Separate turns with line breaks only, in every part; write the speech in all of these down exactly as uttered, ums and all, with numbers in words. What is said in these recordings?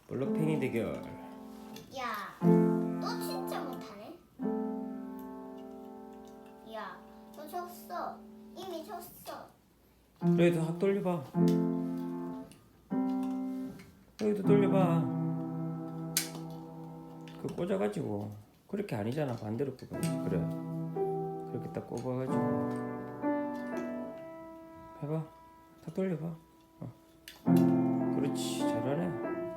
블록팽이 대결.
야, 너 진짜 못하네. 야, 너 졌어. 이미 졌어.
로이도 확 돌려봐. 로이도 돌려봐. 그 꽂아가지고 그렇게 아니잖아. 반대로 꽂아. 그래. 그렇게 딱 꽂아가지고 해봐. 다 돌려봐. 어. 그렇지, 잘하네.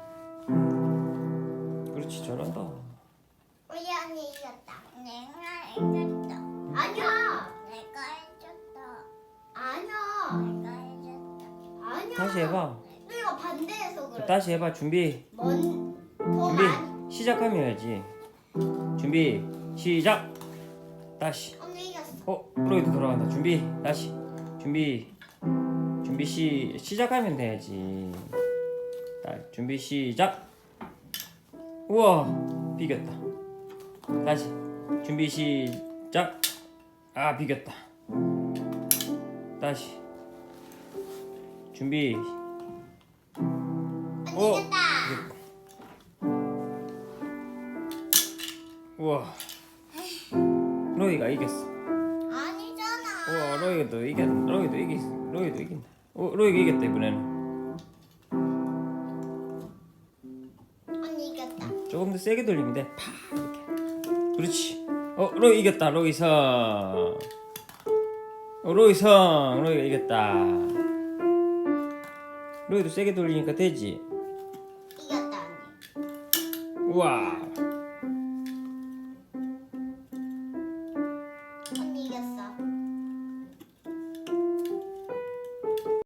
그렇지, 잘한다.
우리 언니 이겼다.
내가 해줬다.
아니야.
내가 해줬다.
아니야.
내가 해줬다.
아니야.
다시 해봐.
너희가 반대해서 그래.
다시 해봐. 준비.
뭔? 더
준비.
많이.
시작하면 해야지. 준비. 시작. 다시.
언니 이겼어.
어, 로이도 돌아간다. 준비. 다시. 준비. 준비 시 시작하면 돼야지. 자, 준비 시작. 우와, 비겼다. 다시. 준비 시작. 아, 비겼다. 다시. 준비.
언니
어.
이겼다.
우와. 로이가 이겼어.
아니잖아.
우와, 로이도 이겼. 로이도 이겼어. 로이도 이긴다. 어, 로이가 이겼다 이번에는.
언니 이겼다.
조금 더 세게 돌리면 돼. 파 이렇게. 그렇지. 어, 로이 이겼다. 로이성. 어, 로이성. 로이가 이겼다. 로이도 세게 돌리니까 되지.
이겼다 언니.
우와.